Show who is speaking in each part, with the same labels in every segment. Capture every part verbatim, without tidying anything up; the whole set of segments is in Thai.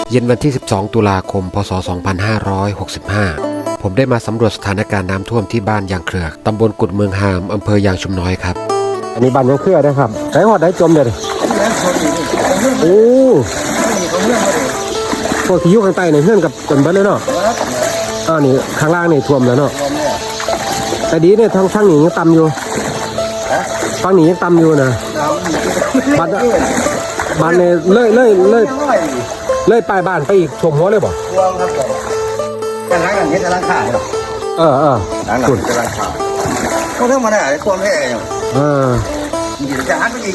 Speaker 1: เย็นวันที่สิบสองตุลาคมพศสองพันห้าร้อยหกสิบห้าผมได้มาสำรวจสถานการณ์น้ำท่วมที่บ้านยางเครือตำบลกุดเมืองหามอำเภอยางชุมน้อยครับอันนี้บ้านยางเครือนะครับไหนหอดไหนจมเลยโอ้พวกที่อยู่ข้างใต้เนี่ยเพื่อนกับจนเบิ้ลเลยเนาะอ้าวนี่ข้างล่างนี่ท่วมแล้วเนาะแต่ดีเนี่ยทางข้างนี้ยังต่ำอยู่ฝั่งนี้ยังต่ำอยู่นะบ้านบ้านเนี่ยเลื่อยเลื่อยเลื่อยเลื่อยปลายบ้านไปอีกชมหัวเลยบ่ท่วมครับแต่หลังอย่างนี้จะล้างขาเหรอเออเออหลังหลังจะล้างขาเขาเท่ามาได้ท่วมแค่ไหนเออจะหันไปอีก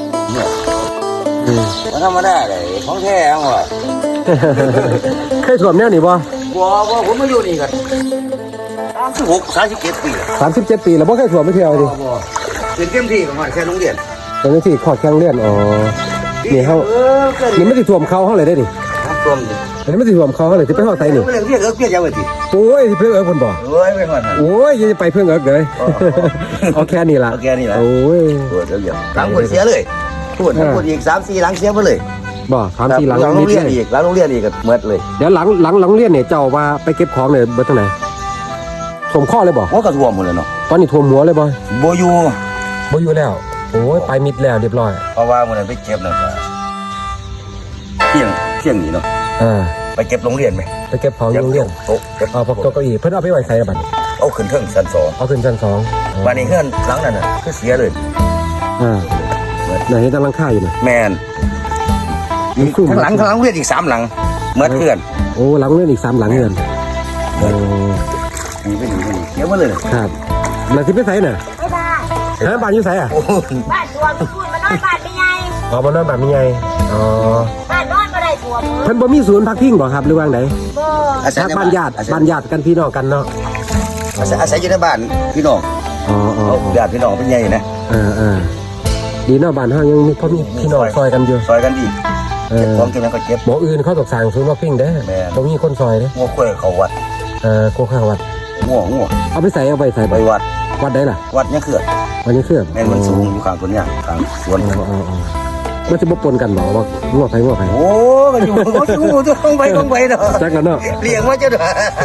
Speaker 1: มันทำมาได้เลยของแท้เอาว่ะเคยท่วมแน่นี่บ่บ่บ่ผมมาอยู่นี่กันสามสิบหกสามสิบเจ็ดปีสามสิบเจ็ดปีแล้วบ่เคยท่วมไม่เที่ยวดิเป็นเต็มที่ประมาณแค่โรงเรียนเป็นเต็มที่ขอดแค่โรงเรียนอ๋อนี่เขานี่ไม่ได้ท่วมเขาเขาเลยได้ดิท่วมดิอันนี้ไม่ได้ท่วมเขาเขาเลยที่ไปหอดไตนี่เรื่องเพี้ยเอิ๊กเพี้ยยาวดิโอ้ยที่เพื่อนเอิ๊กคนบ่โอ้ยไม่หอดโอ้ยยังจะไปเพื่อนเอิ๊กเลยเอาแค่นี้ละเอาแค่นี้ละโอ้ยปวดแล้วหลังปวดเสียเลยปวดปวดอีกสามสี่หลังเสียไปเลยบ่สามสี่หลังโรงเรียนอีกหลังโรงเรียนอีกก็เมื่อเลยเดี๋ยวหลังหลังหลังเรียนเนี่ยเจ้าว่าไปเก็บของเนี่ยเบิดตรงไหนท่วมข้อเลยบ่หัวกระท่วมหมดเลยเนาะตอนนี้ท่วมหัวเลยบ่โบยูโบยูแล้วโอ้ยไปมิดแล้วเรียบร้อยเพราะว่ามันไปเก็บนะครับเที่ยงเที่ยงนี่เนาะอ่าไปเก็บโรงเรียนไหมไปเก็บของโรงเรียนโต๊ะเอาพวกโต๊ะเก้าอี้เพิ่นเอาไปไว้ใส่บัดเอาขึ้นเครื่องชั้นสองเอาขึ้นชั้นสองวันนี้เครื่องหลังนั้นน่ะคือเสียเลยอ่าไหนเห็นตั้งหลังคาอยู่น่ะแม่นข้างหลังข้างหลังเรียนอีกสามหลังเมื่อเพื่อนโอ้หลังเรียนอีกสามหลังเงินโอ้นี่เป็นนี่เสียหมดเลยครับแล้วที่ไปใส่น่ะไม่ได้ฮะบ้านอยู่ใส่อ่ะบ้านตัวมีคุณมานอนบ้านไม่ใหญ่อ๋อมานอนบ้านไม่ใหญ่อ๋อบ้านนอนก็ได้ตัวเพิ่นบ่มีศูนย์พักพิงบ่ครับหรือว่าไงบ่อาศัยบ้านญาติบ้านญาติกันพี่น้องกันเนาะอาศัยอาศัยอยู่ในบ้านพี่น้องอ๋ออ๋อญาติพี่น้องเป็นใหญ่นะเออเออดีเนาะบ้านเฮายังมีพ่อมีพี่น้องซอยกันอยู่ซอยกันดีเออของกินก็เก็บบ่อื่นเขาตกสร้างศูนย์พักพิงเด้บ่มีคนซอยเด้งัวควายเขาวัดเออโคข้างวัดงัวงัวเอาไปใส่เอาไปใส่ไปวัดวัดได้ล่ะวัดเนี่ยเขื่อนวัดเนี่ยเขื่อนแม่นมันสูงอยู่ข้างคนเนี่ยข้างสวนมันจะบ่ปนกันบ่ว่างัวไผงัวไผโอ้มันอยู่มันอยู่จะต้องไปต้องไปเนาะจักกันเนาะเลี้ยงมาจะเด้อ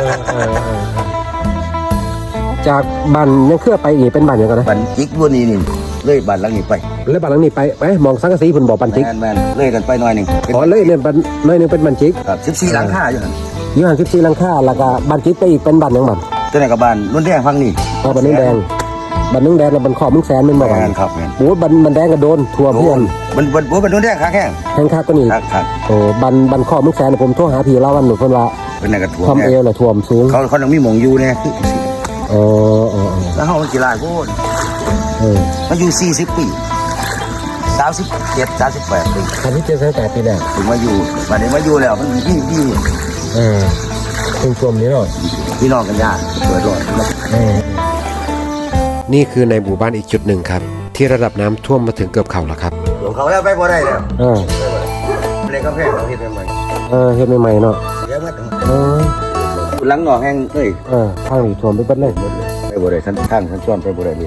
Speaker 1: จากบ้านเนี่ยเขื่อนไปอีกเป็นบ้านหยังกันนะบ้านจิกบัวนี่นี่เลยบ้านหลังนี้ไปเลยบ้านหลังนี้ไปไปมองสังกะสีเพิ่นบ่บ้านจิกแม่นๆเลยกันไปหน่อยนึงอ๋อเลยเล่นบ้านหน่อยนึงเป็นบ้านจิกครับสิบสี่หลังคาอยู่หั่นอยู่หั่นสิบสี่หลังคาแล้วก็บ้านจิกไปอีกเป็นบ้านหยังบ้านตัวไหนกับบ้านนุ่นแดงฟังนี่อ๋อบ้านนุ่นแดงบ้านนุ่นแดงแล้วบ้านขอบมึงแสนเป็นบ่บ้านครับแม่นโอ้บ้านบ้านแดงก็โดนทั่วเพื่อนบ้านบ้านบ้านนุ่นแดงขาแข้งแข้งขาก็นี่ครับโอ้บ้านบ้านขอบมึงแสนผมโทรหาพี่เล่าวันหนูเพิ่นว่าเป็นน่ะก็ท่วมท่วมเอวแล้วท่วมสูงเขาเขาต้องมีหม่องอยู่แน่คืออ๋ออ๋อแล้วเฮามันกี่หลายโพดเออมาอยู่สี่สิบปีสามสิบเจ็ด สามสิบแปดปีสามสิบเจ็ด สามสิบแปดปีแล้วถึงมาอยู่บัดนี้มาอยู่แล้วมันดีดีเออชุมชนนี้เนาะพี่น้องกันยากเกิดร้อนนี่คือในหมู่บ้านอีกจุดหนึ่งครับที่ระดับน้ำท่วมมาถึงเกือบเข่าแล้วครับท่วมเข่าแล้วไปบ่ได้แล้วเออเลยก็แพงเราเฮ็ดใหม่เออเฮ็ดใหม่ๆเนาะเดี๋ยวมาเออหลังหนองแห้งเอ้ยเออทางนี้ท่วมไปเบิดเลยไปบ่ได้ท่านทางท่านซ่อนไปบ่ได้เลย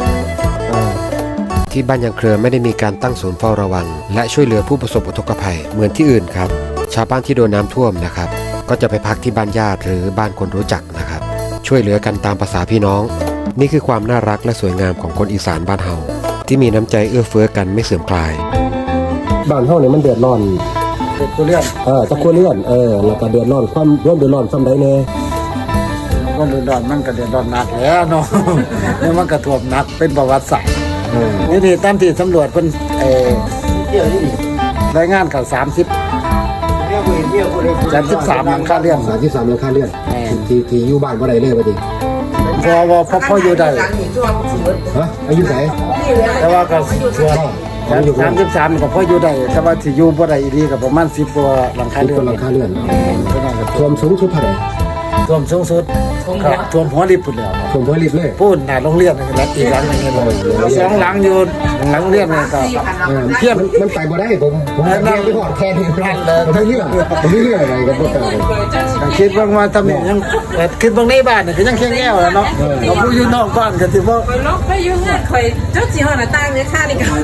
Speaker 1: ที่บ้านยางเครือไม่ได้มีการตั้งศูนย์เฝ้าระวังและช่วยเหลือผู้ประสบอุทกภัยเหมือนที่อื่นครับชาวบ้านที่โดนน้ำท่วมนะครับก็จะไปพักที่บ้านญาติหรือบ้านคนรู้จักนะครับช่วยเหลือกันตามภาษาพี่น้องนี่คือความน่ารักและสวยงามของคนอีสานบ้านเฮาที่มีน้ำใจเอื้อเฟื้อกันไม่เสื่อมคลายบ้านเฮาเนี่ยมันเดือดร้อนตะครัวเรือนเออตะครัวเรือนเออแล้วก็เดือดร้อนความร่วมเดือดร้อนซ้ำใดแน่
Speaker 2: ก็เดือดร้อนมันก็เดือดร้อนหนักแล้วเนาะนี่มันก็ท่วมหนักเป็นประวัติศาสตร์นี่ที่ตามที่สำรวจเป็นเอ่อรายงานข่าวสามสิบสามสิบสามหลังคาเรือน
Speaker 1: สามสิบสามหลังคาเรือนที่ที่อยู่บ้านบ่ได้เลยบ่ดิ
Speaker 2: พอว่าพอพออยู่ได้
Speaker 1: ฮะอายุไหน
Speaker 2: แต่ว่าก็ส่วนสามสิบสามก็พออยู่ได้แต่ว่าที่อยู่บ่ได้อีกก็ประมาณสิบกว่าหลังคาเรือน
Speaker 1: หลังคาเรือนท่วมสูงสุดเท่าไหร่
Speaker 2: ท่วมสูงสุดครับท่วมหัวริบพุ่นแล้ว
Speaker 1: ผมก็รีบเลย
Speaker 2: พูดหน้าโรงเรียนนี่แหละอีกหลังหนึงนี่เลยสองหลังอยู่หลังโรงเรียนนี่ก็
Speaker 1: เออเทียบมันไปบ่ได้ผมผมแค่ไปหอดแค่นี้พลาดเลยผมไม่เลือกผมไม่เลือกอะไรกับพวกเรา
Speaker 2: ก็คิดว่าว่าทำนี่ยังเอ่อคิดบางในบ้านนี่ก็ยังแข็งแก้วแล้วเนาะเราผู้อยู่นอกบ้านก็สิบ่
Speaker 3: คอยล็อกไปยุ่งเงินคอยเจ้าจีห้อหน้าต่างเนี่ยค่านี่ก็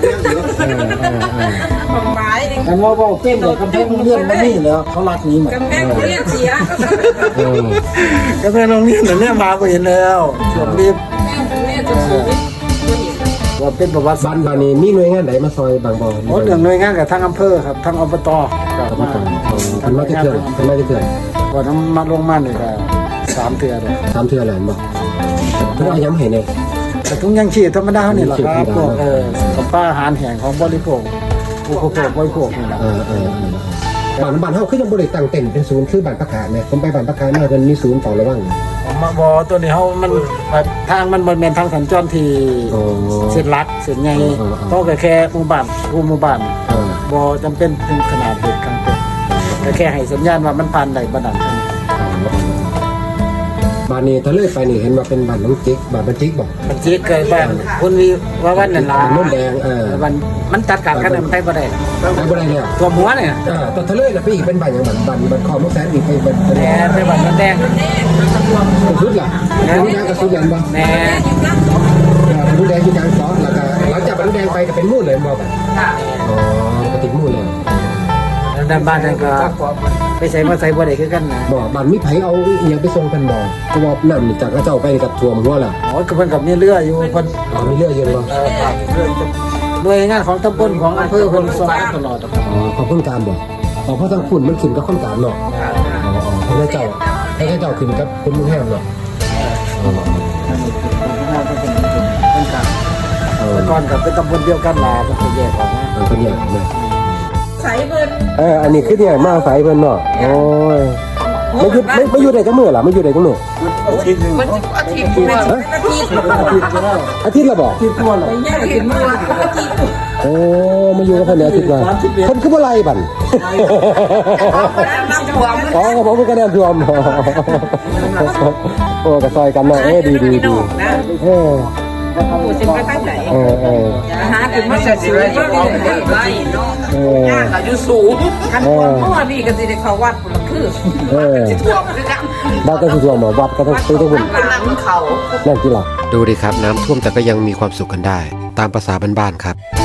Speaker 3: ของไม้นี่
Speaker 2: อันว่าเว้าเต้นเลยกำแพงโรงเรียนมันนี่แล้วเขารักนี้หมด
Speaker 3: กำแพงเรียนเสีย
Speaker 1: เออก
Speaker 2: ำแพงโรงเรียนน่ะเนี่ยมาบ่เห็นแล้วช่วงนี้
Speaker 3: แม่จะสูงนี่
Speaker 2: ว่าเป็นประวัติศา
Speaker 1: บ้า
Speaker 2: ส
Speaker 1: น
Speaker 2: ตร์
Speaker 1: บ้านนี้มีหน่วยงานไหนมาซอยบางบ่อ
Speaker 2: โอ้เรื่องหน่วยงานกับทางอำเภอครับทางอบตก็
Speaker 1: ครับ
Speaker 2: มา
Speaker 1: ทำมาจะเถื่อนทำมาจะเถื่อน
Speaker 2: ก่อนำมาลงมานี่ก็สามเทื่อเลย
Speaker 1: ทำเถื่อนอะไรบ่เพื่อย้ำให้เนี่ย
Speaker 2: แต่ทุกยังชีพธรรมดานี่แหละครับพวกเออกับป้าอาหารแห้งของบริโภคผู้บริโภคบริโภคนี่แหละ
Speaker 1: เออเออบ้านบ้านเฮาคือยังบ่ได้ตั้งเต็นท์เป็นศูนย์คือบ้านประกาศเนี่ยผมไปบ้านประกาศมาเพิ่นมีศูนย์เฝ้าระวัง
Speaker 2: มาบอตัวนี้เขามันแบบทางมันบนเป็นทางสัญจรที่
Speaker 1: โอ้
Speaker 2: เส้นลักเส้นใหญ่
Speaker 1: อ๋ออ๋อ
Speaker 2: เพราะก็แค่หมู่บ้านผู้หมู่บ้าน
Speaker 1: เออบ
Speaker 2: อจำเป็นถึงขนาดเด็กกลางเต็มแต่แค่ให้สัญญาณว่ามันผ่านได้บันดันกัน
Speaker 1: บ้านนี้ถ้าเลยไปนี่เห็นว่าเป็นบ้านน้องจิ๊กบ้านบ้านจิ๊กบ่
Speaker 2: มันจีเกิดบ้านคนวีว่าวันนั่นล่ะ
Speaker 1: บ้านโน้นแดงเออ
Speaker 2: มันมันตัดขาดกันมันไปบ่ได้
Speaker 1: ไปบ่ได้แล้ว
Speaker 2: ตัวหัวเนี่ย
Speaker 1: เออแต่ถ้าเลยน่ะไปอีกเป็นบ้านหยังบ้านบ้านบ้านคอมแสนอีกไปเป็นเป็น
Speaker 2: แหน่ไปบ้านมันแดง
Speaker 1: สุดล่ะน้ำแดงกับสุดยันบ่
Speaker 2: แหน่
Speaker 1: น้ำแดงอยู่กลางซอสแล้วก็หลังจากน้ำแดงไปก็เป็นมู่เลยบ่บัดอ๋อก็ติดมู่เลย
Speaker 2: แล้วด้านบ้านนั่นก็ไปใส่มาใส่บ่ได้คือกันนะ
Speaker 1: บ่บ้านมีไผเอาอีหยังไปส่งกันบ่ก็ว่าน้ำนี่จากกระเจ้าไปกับท่วมหัวล่ะ
Speaker 2: อ๋อคือเพิ่นกับมีเรืออยู่เพิ่น
Speaker 1: อ๋อมีเรืออยู่บ่
Speaker 2: เอ่อครับเรือจะหน่วยงานของตำบลของอำเภอเพิ่นส่งมาตลอดครับ
Speaker 1: อ๋อขอบคุณการบ่อ๋อเพราะทางคุณมันขึ้นกับคนกลางเนาะอ๋ออ๋อพระเจ้าพระเจ้าขึ้นกับคุณลุงแฮมเนาะอ๋อ
Speaker 2: เป็นกลาง
Speaker 1: เออ
Speaker 2: แต่ก่อนกับเป็นตำบลเดียวกันล่ะมันก็แยกออกนะ
Speaker 1: เออเป็นอย่างนี้
Speaker 3: ใส่เงิน
Speaker 1: เอออันนี้คือเนี่ยมาอาศัยเพิ่นเนาะโอ้ยไม่อยู่ไม่ไม่อยู่ได้จังมื้อล่ะไม่อยู่ได้จังมื้อ
Speaker 2: อาทิตย์หนึง
Speaker 3: มันจะอาทิตย์มันจะอาทิตย์
Speaker 2: อาทิตย์ก็ได้
Speaker 1: อาทิตย์ละบ่
Speaker 2: อาทิตย์ทั่วเลย
Speaker 3: ย่างกินมาอาทิตย์
Speaker 1: โอ้มาอยู่กับเพิ่นเนี่ยอาทิตย์ละเพิ่นคือบ่ไล่บั่น
Speaker 3: น้ำท่วม
Speaker 1: อ๋อกับผมก็น้ำท่วมโอ้ก็ซอยกันเนาะเออดีดีดีเออ
Speaker 3: โอ้สิไปทางไหน
Speaker 1: เออเออ
Speaker 3: หาถึงมาเสียชีวิตก็มีแต่ไล่เนาะ
Speaker 1: เออ
Speaker 3: ย่างอายุสูงคันคนเมื่อนี่ก็สิได้เข้าวัดมันคือ
Speaker 1: เออ
Speaker 3: สิท่วมคือกัน
Speaker 1: บ้านก็สิท่วมบ่วัดก็ต้องไปต้องบุญ
Speaker 3: หลังเขา
Speaker 1: นั่นที่ล่ะ
Speaker 4: ดูดิครับน้ำท่วมแต่ก็ยังมีความสุขกันได้ ตามภาษาบ้านๆครับ